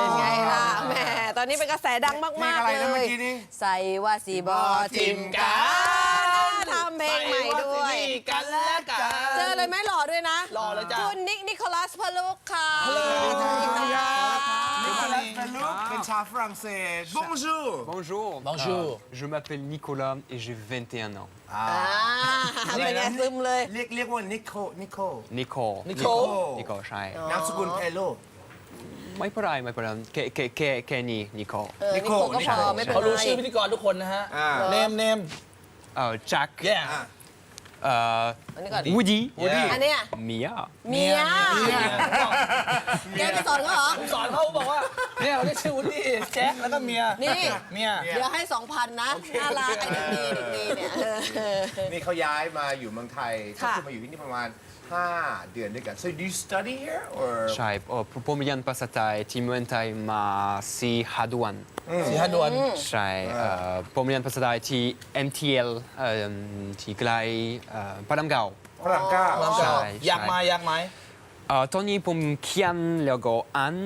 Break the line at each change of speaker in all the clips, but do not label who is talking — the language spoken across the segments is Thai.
เป็นไงล่ะแหมตอนนี้เป็นกระแสดังมากๆเลย ใส่ว่าสีบอทิมกันทำเพลงใหม่ด้วย
กันและกัน
เจอเลยไหมหล่อด้วยนะ
หล่อเลยจ้ะ
คุณนิโคลัสพลุกค่ะ
นิโคลัสพลุกเป็นชาวฝรั่งเศส Bonjour
Bonjour.
Bonjour.
Je m'appelle Nicolas et j'ai 21 ans.
เป็นไงซึมเลย
เรียกว่านิโค
Nicole.
Nicole
ใช่
นามสกุลเพโล
ไม่เป็นไรแค่นี้ Nicole
นิโคก็พอไม่เป็น
เขา
ไร
รู้ชื่อพิธีกรทุกคนนะฮะเนม
Jack
yeah
อันนี้ก่อน
Woody
อันเนี้ย
Mia
เมียแกไปสอนเขาเหรอ
สอนเขาบอกว่าเนี่ยเขาเรียกชื่อวุฒิแจ็คแล้วก็เมีย
นี่
เมีย
เดี๋ยวให้ 2,000 นะน่ารักไอ้เด็กดีเนี่ย
นี่เขาย้ายมาอยู่เมืองไทยก็
ค่ะ
คือมาอยู่ที่นี่ประมาณ 5 เดือนด้วยกัน so do you study here or
ใช่ผมเรียนภาษาไทยที่เมืองไทยมา4 เดือน
สีหดวน
ใช่ผมเรียนภาษาไทยที่ MTL ที่ใกล้พระรามเก้า
ฝรั่งเก้า
ใช่
อยากไหม
ตอนนี้ผมเขียนแล้วก็อ่าน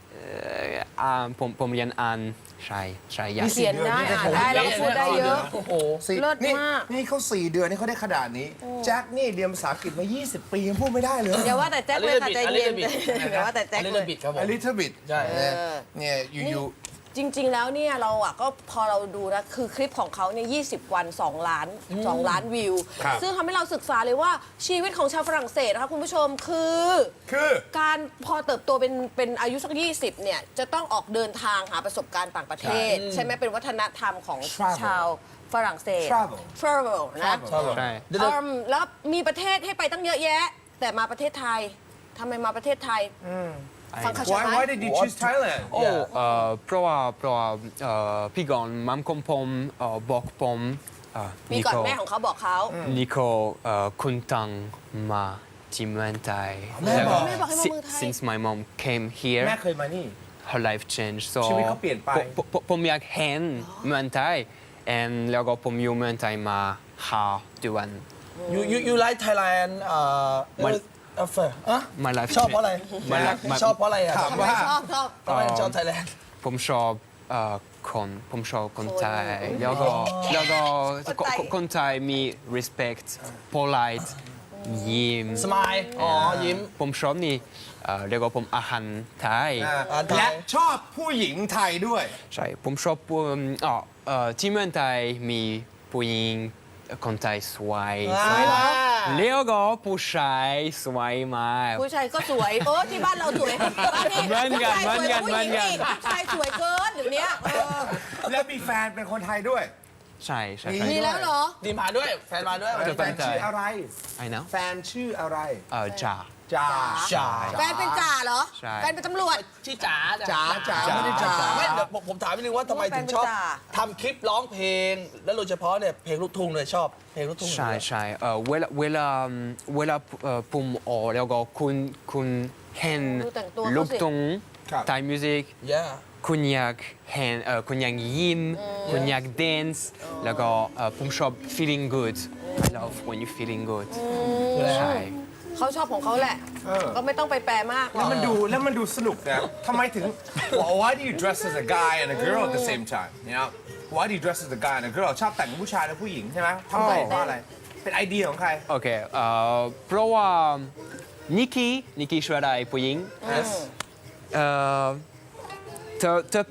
ผมเรียนอ่านใช่อยาก
เขียนได้อ่านได้แล้วก็พูดได้เยอะ
โอ้โห
เลิศมาก
นี่เขา4 เดือนนี่เขาได้ขนาดนี้ แจ็คนี่เรียนภาษาอังกฤษมา 20 ปียังพูดไม่ได้เลย
เดี๋ยวว่าแต่แจ็คเลยค่ะใจเย็นเดี๋ยวว่าแต่แจ็ค
เล
เลย ย
บิดครับผม
A little bit
ใช่
เนี่ยอยู่
จริง ๆ แล้วเนี่ยเราอ่ะก็พอเราดูนะคือคลิปของเขาเนี่ย20 วัน 2 ล้านวิว ซึ่งทำให้เราศึกษาเลยว่าชีวิตของชาวฝรั่งเศสนะคะคุณผู้ชมคือ การพอเติบโตเป็นอายุสัก20เนี่ยจะต้องออกเดินทางหาประสบการณ์ต่างประเทศ ใช่ไหมเป็นวัฒนธรรมของชาวฝรั่งเศส travel นะ
ใช่
แล้วมีประเทศให้ไปตั้งเยอะแยะ แต่มาประเทศไทยทำไมมาประเทศไทยฟังเขาใช่ไหม
Why did you choose Thailand
เพราะว่าพี่ก่อนมัมของผมบอกผม
มีก่อนแม่ของเขาบอกเขา
นิโคคุณตังมาที่เมืองไทย
แม่บอก
แม่บอกให้มาเมืองไทย
Since my mom came here
แม่เคยมานี่
her life changed so
ชีวิตเขาเปลี่ยนไป
ผมอยากเห็นเมืองไทย and แล้วก็ผมอยู่เมืองไทยมา5 เดือน
you like Thailand
My life
ชอบเพราะอะไร ชอบเพราะอะไรอ่ะ
ถามว่า
ชอบ
ทำไมชอบไทยแลนด์
ผมชอบคนไทยแล้วก็คนไทยมี respect polite ยิ้ม
สมายอ๋อยิ้ม
ผมชอบนี่แล้วก็ผมอาหารไทย
และชอบผู้หญิงไทยด้วย
ใช่ผมชอบที่เมืองไทยมีผู้หญิงคนไทยสวยแล้วก็ผู้ชายสวยมาก
ผู้ชายก็สวยที่บ้านเราสวยบ้านนี้
เหมือนกัน
ผู้ชายสวยกว่าผู้หญิงอีกผู้ชายสวยเกินเดี๋ยวนี้
และมีแฟนเป็นคนไทยด้วย
ใช่
มีแล้วเหรอ
ดีมาด้วยแฟนมาด้วย
แฟนชื่ออะไร
ไอ้นะ
แฟนชื่ออะไร
จ่า
จ่า
จ๋า
แฟนเป็นจ่าเหรอ
ใช่
แฟนเป็นตำรวจ
ชื่อจ๋า
จ๋าไม่ได้จ๋า
ไม่เดี๋ยวผมถามนิดนึงว่าทำไมถึงชอบ
แฟนเป็นจ๋า
ทำคลิปร้องเพลง แล้วโดยเฉพาะเนี่ยเพลงลูกทุ่งเลยชอบเพลงลูกทุ่ง
ใช่เวลาผมแล้วก็คุณเห็น
ดูแต่งตัวเขาสิ
ลูกทุ่งไทยมิวสิก
ย่า
คุณอยากเห็นคุณอยากยิ้มคุณอยาก dance แล้วก็ผมชอบ feeling good I love when you feeling good ใช่
เขาชอบของเขาแหละ ก็ไม่ต้องไปแปลมากหร
แล้
อ
ว
ก
มันดูสนุกนะทำไมถึง Why do you dress as a guy and a girl at the same time you know Why do you dress as a guy and a girl ชอบแต่งเป็นผู้ชายและผู้หญิงใช่ไหมทำไมเพราะอะไรเป็นไอเดียของใคร
โอเคเพราะว่านิกกี้ช่วยได้ผู้หญิงเธอ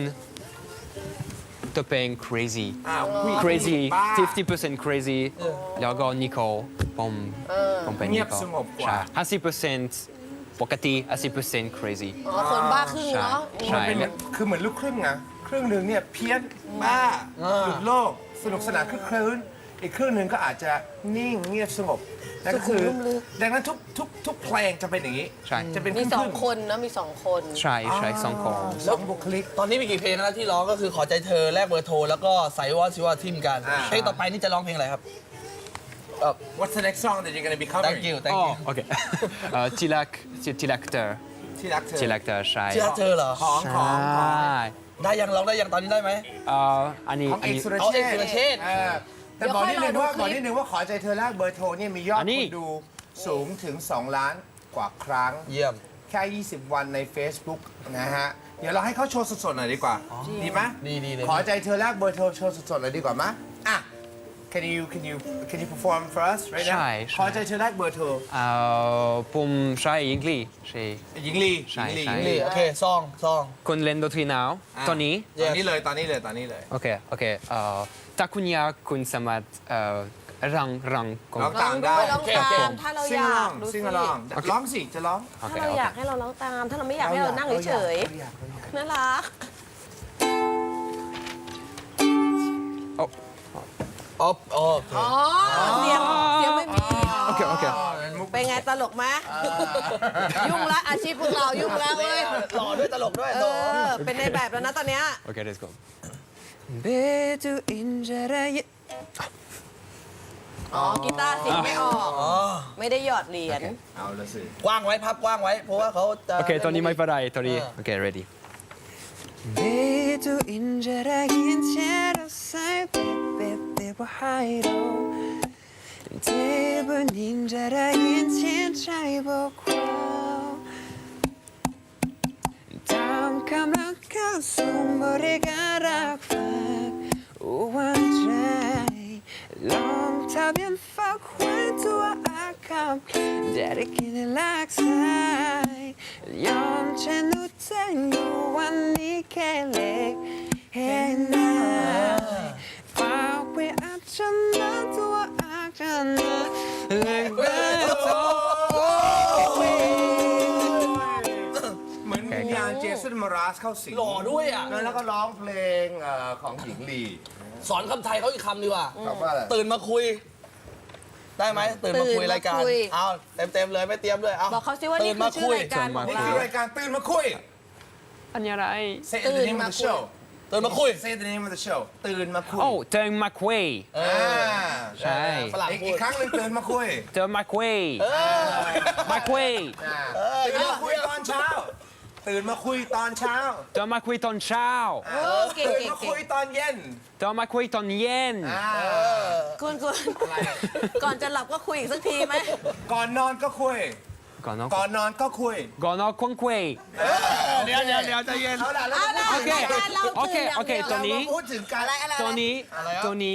เป็น crazy
ผู้หญิงบ้า
50% crazy แล้วก็นิโคผมเป็น
เงี
นิ
ยบ
โค
สงบกว่า
50%ปกติ50% crazy
คนบ้าครึ่งเนาะ
ใช่
มันเป็นคือเหมือนลูกครึ่งไงครึ่งหนึ่งเนี่ยเพี้ยนบ้าหลุดโลกสนุกสนานคลึกครื้นอีกครึ่งหนึ่งก็อาจจะนิ่งเงียบสงบนั่นก็คือดังนั้นทุกเพลงจะเป็นอย่างนี้
ใช่
จะเป็น
มี
ครึ่ง
ส
ๆ
องคนนะมีสองคน
ใช่สองคน
สองบุคลิก
ตอนนี้มีกี่เพลงนะที่ร้องก็คือขอใจเธอแลกเบอร์โทรแล้วก็ใส่ว่าซิว่าทิมกันเพลงต่อไปนี่จะร้องเพลงอะไรครับ
What's the next song that you're gonna be covering
Thank you Thank you
โอเคที่รักเธอ
ที่รักเธอ
ที่รักเธอใช่
ที่รักเธอเหรอ
ของ
ใช่
ได้ยังร้องได้ยังตอนนี้ได้ไหม
อันนี้
ของเอกสุร
เอา
เช
เอก
ษ
สุรเชษฐ์
แต่บอกนิดนึงว่าขอใจเธอแลกเบอร์โทรเนี่ยมียอดคนดูสูงถึง2 ล้านกว่าครั้ง
เยี่ยม
แค่ 20 วันใน Facebook นะฮะเดี๋ยวเราให้เขาโชว์สดๆหน่อยดีกว่า ดีไหม
ดีเลย
ขอใจเธอแลกเบอร์โทรโชว์สดๆหน่อยดีกว่าไหมอ่ะ can you perform for us right now
ใช่
ขอใจเธอแลกเบอร์โทร
ผมใช้อังกฤษใช่
หญิงลี
ใช่
หญิงลี
ใช่
นี่โอเคซอง
คุณเล่นดนตรีหนาวตอนนี้
ตอนนี้เลยตอนนี้เลยตอนนี้เลย
โอเคโอเคถ้าคุณอยากคุณสามารถรังก่อน
ร้อง
ร้
ตา
อง
ม
ด้
ได้
วยร้องตามถ้าเรา
ซิ
อง ยา
ร้อก ง
ดู
ซิ
สิ
งร้องร้องสิจะร้อง
โอเค
ถ้าเรา
โอ
อยาก
เค
ให้เราร้องตาม ถ้าเราไม่อยากให้เรานั่งเฉยๆน่ารัก
อ๋ออ๋อ
อ๋อเสียงไม่มี
โอเคโอเค
เป็นไงตลกไหมยุ่งละอาชีพพวกเรายุ่งแล้วเว้ย
หล่อด้วยตลกด้วย
เป็นในแบบแล้วนะตอนเนี้ย
โอเค let's go Betu injaraye
อ๋อกีตาร์เสียงไม่ออก ไม่ได้หยอดเหรียญ
เอาละสิ
กว้างไว้พับกว้างไว้ เพราะว่าเขาจะ
โอเคตอนนี้ไม่เป็นไรตอนนี้โอเค ready Betu injaraye chero sai bebe bahiro Debu ninjaraye chen chai bo kwao Tam kamran ka sumbore garak fak Uwan jai Long tabian fak Wen tua akam Dari kini laksai Yon chen uteng Uwan ni kelek Henai Fak we achana tua akana Lek beto
เหมือนวิญญาณเจสันมาราสเข้าสิง
หล่อด้วยอ่ะ
แล้วก็ร้องเพลงของหญิงลี
สอนคำไทยเขาอีกคำดีกว่า
ตอบว่าอะไร
ตื่นมาคุย ได้ไหมตื่นมาคุย
ตื่นมาร
ายการ
คุย
เอาเต็มเลยไม่เตรียมเลยเอา
บอกเขาสิว่านี่
ตื่
คือชื่อรายการของ
นี่
เรา
คือรายการตื่นมาคุย
อันนี้อะไร
Say the name of the show
ตื่นมาคุย
Say the name of the show ตื่นมาคุย
โอ้เจอมาคุย ใช่
ฝรั่ง
อีก
พู
อี
ด
กครั้งหนึ่งตื่นมาคุย
เจอมาคุยมาคุย
ตื่นมาคุยตอนเช้า ตื่นมาคุยตอนเช้า
เจอมาคุยตอนเช้า
เก่ง
ตื่น
เก่ง
มา
เก่
คุย
ง
ตอนเย็น
เจอมาคุยตอนเย็น
คุณก่อนจะหลับก็คุยอีกสักทีไหม
ก่อนนอนก็คุย
ก่อนนอน
ก่อนนอนก็คุย
ก่อนนอนคงคุย
เดี๋ยวใจเย็น
เอาล่ะแล้ว
เอาล่ะ
โอเค
รายการเรา
โอเค
ตื่นอย่าง
โอเค
เดียว
ตัวนี้
เรามาพูดถึงการ
อะไร
ตัวนี้
อะไรอ่ะ
ตัวนี้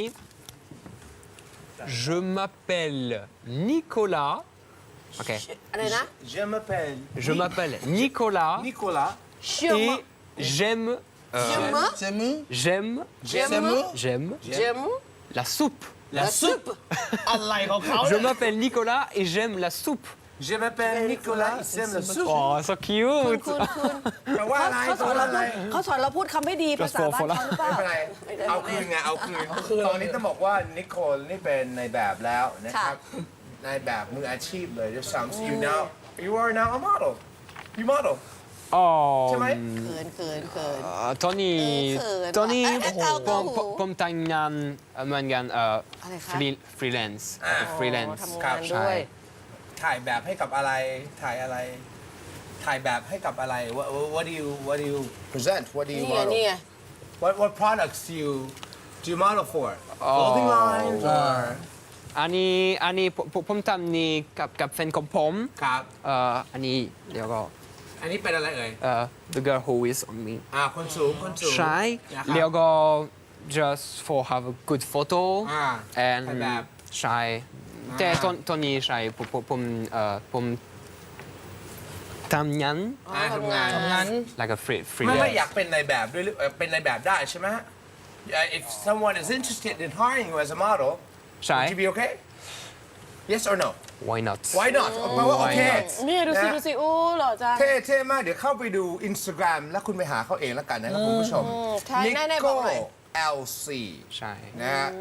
Je m'appelle Nicolas. Ok.
อะไรนะ
Je m'appelle
Je m'appelle Nicolas
Nicolas
เชื่อม
et j'aime
เชื่อม
เจมือ
j'aime
เชื่อม
j'aime
เชื่อม
la soupe.
และซุปอะไรของเขา
Je m'appelle Nicolas et j'aime la soupe.
Je m'appelle Nicolas il aime le soupe
Oh, so
คุณ
cute.
คุณ
แปลว่าอะไร
เขาสอนเราพูดเขาสอนเราพูดคำไม่ดีภาษาบ้านเขาหรือเปล่า
ไม่เป็นไรเอาคืนไงเอาคืนตอนนี้ต้องบอกว่านิโคลนี่เป็นในแบบแล้วนะครับในแบบมืออาชีพเลยด้วยซ้ำ you are now a model you model
Oh.
ใช่ไหม
เขินเขินเขิน
Tony
เขิน
Tony
เอ้ยเอาตัวหู
ผมทำงานเหมือนกัน
อะไรคะ
freelance
อ๋อ
freelance
ทำงานด้วย
ถ่ายแบบให้กับอะไรถ่ายอะไร ถ่ายแบบให้กับอะไร what do you present what do you
นี่ไง
model
นี่ไง
what products do you model for clothing lines or
อันนี้ผมทำนี่กับแฟนของผม
ครับ
อันนี้เดี๋ยวก็
อันนี้เป็นอะไรเอ่ย
the girl who is on me
คนสูงคนสูง
ใช่
นะครับ
เดี๋ยวก็ just for have a good photo
ถ่ายแบบ
ใช่แต่ตอนนี้ใช่ผมทำงาน
ทำงาน
งั้น
like a
ไม่
freelance
อยากเป็นในแบบด้วยหรือเป็นในแบบได้ใช่ไหมฮะ if someone is interested in hiring you as a model
ใช่
would you be okay yes or no
why not
why not แปลว่าโอเค
Why not?
นี่ดูสิ
นะ
ดูสิอู้หล่อจัง
เท่มาก เดี๋ยวเข้าไปดู Instagram แล้วคุณไปหาเขาเองแล้วกันนะครับคุณผู้ชม
ใช่แน่ๆบอกหน่อย
LC
ใช่
นะฮะ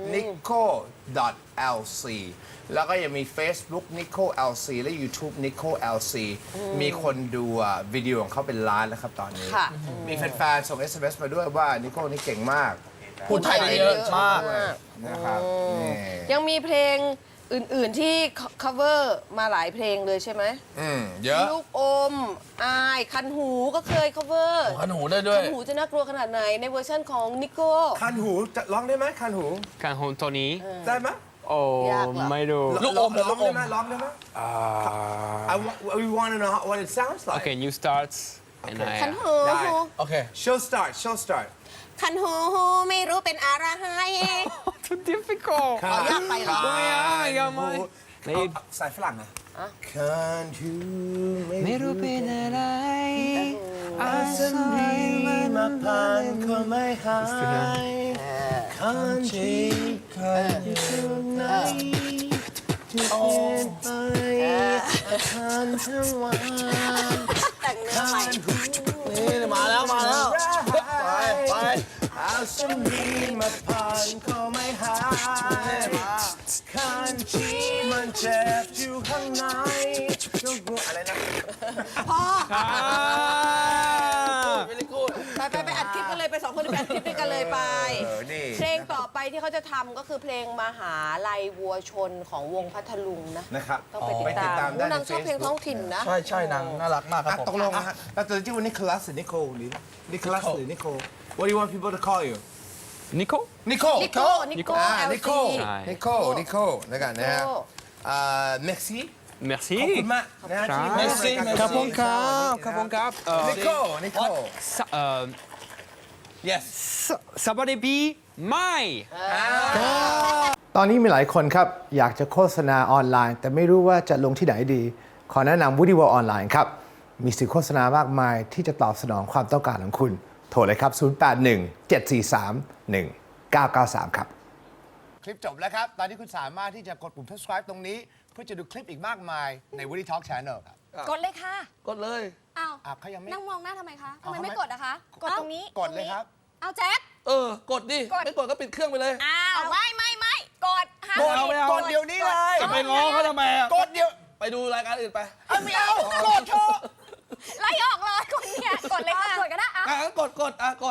nico.lc แล้วก็ยังมี Facebook nico lc และ YouTube nico lc มีคนดูวิดีโอของเขาเป็นล้านแล้วครับตอนนี้
ค่ะ
มีแฟนๆส่ง SMS มาด้วยว่านิโก้นี่เก่งมาก
พูดไทยได้เยอะมาก
นะครับนี่
ยังมีเพลงอื่น ๆ ที่ cover มาหลายเพลงเลยใช่ไหม
เยอะ
ลูกอม อาย คันหูก็เคย cover
ขนหูได้ด้วย
คันหูจะน่ากลัวขนาดไหนในเวอร์ชันของนิโก้
คันหูจะร้องได้ไหมคันหู
การโฮนตัวนี้
ได้ไหม
โอ้
ยากเหรอ
ไม่รู้
ลูกอม
ร้องได้ไหมร้องได้ไหม we want to know what it sounds like
Okay, you start. and
Okay.
I
คันหู
ได้
โอเค
show start
คันหูไม่รู้เป็นอะไร
too difficult
เอายากไปเหรอ
เอาสายฝรั่งนะ Can't you
ไม่รู้เป็นอะไร
อาสมีมาผ่านก็ไม่หาย Can't you ที่ไหนที่เปลี่ยนไปอาคารทั้งวัน
แต่งเนื้อใหม่
นี่มาแล้วไป
อาสมีมาผ่านก็ไม่หายคันชีมันเจ็บอยู่ข้างในอะไรนะ
very good
ไปอัดคลิปกันเลยไป2 คนไปอัดคลิปด้วยกันเลยไป
นี่
เพลงต่อไปที่เขาจะทำก็คือเพลงมหาลัยวัวชนของวงพัทลุงนะ
นะครับ
ต้องไปติดตาม
ได้ใน
นางชอบเพลง
Facebook
ท้องถิ่นนะ
ใช่นางน่ารักมากครับผม
ตกลงนะฮะแล้วตัวที่วันนี้คลาสหรือนิโคลหรือนิคลัสหรือนิโคล What do you want people to call you
Nico
นิโคล
นิโก้นิโก้
นิโคล
LC
ใช่
นิโคลนิโคลแล้วกันนะฮะmerci
merci
ขอบคุณมากนะฮะที่มา
Merci
รายการ
ขอบคุณครับขอบคุณครับ
นิโคลนิโคล
yes
สวัสดีปีใหม่
ตอนนี้มีหลายคนครับ อยากจะโฆษณาออนไลน์ แต่ไม่รู้ว่าจะลงที่ไหนดี ขอแนะนำ Woody World ออนไลน์ครับ มีสื่อโฆษณามากมายที่จะตอบสนองความต้องการของคุณ โทรเลยครับ 0817431993 ครับ
คลิปจบแล้วครับ ตอนนี้คุณสามารถที่จะกดปุ่ม subscribe ตรงนี้ เพื่อจะดูคลิปอีกมากมายใน Woody Talk Channel ครับ
กดเลยค่ะ
กดเลย
อ้าว
เขายังไม่
นั่งมองหน้าทำไมคะทำไม
เอา
ไม่
ทำไม
กดอะคะ กดตรงนี้
กดเลยครับ
เอาแจ๊ค
กดดิ ไม่กดก็ปิดเครื่องไปเลย
อ้าว ไม่กดห้าม
กดเอาไม่เอา
กดเดี๋ยวนี้เลย
จะไปง้อเขาทำไมอะ
กดเดี๋ยว
ไปดูรายการอื่นไป
ไม่เอา กดเถอะ
ไล่ออกเลยคนเนี่ยกดเลยค่ะ กดก็ได้
กด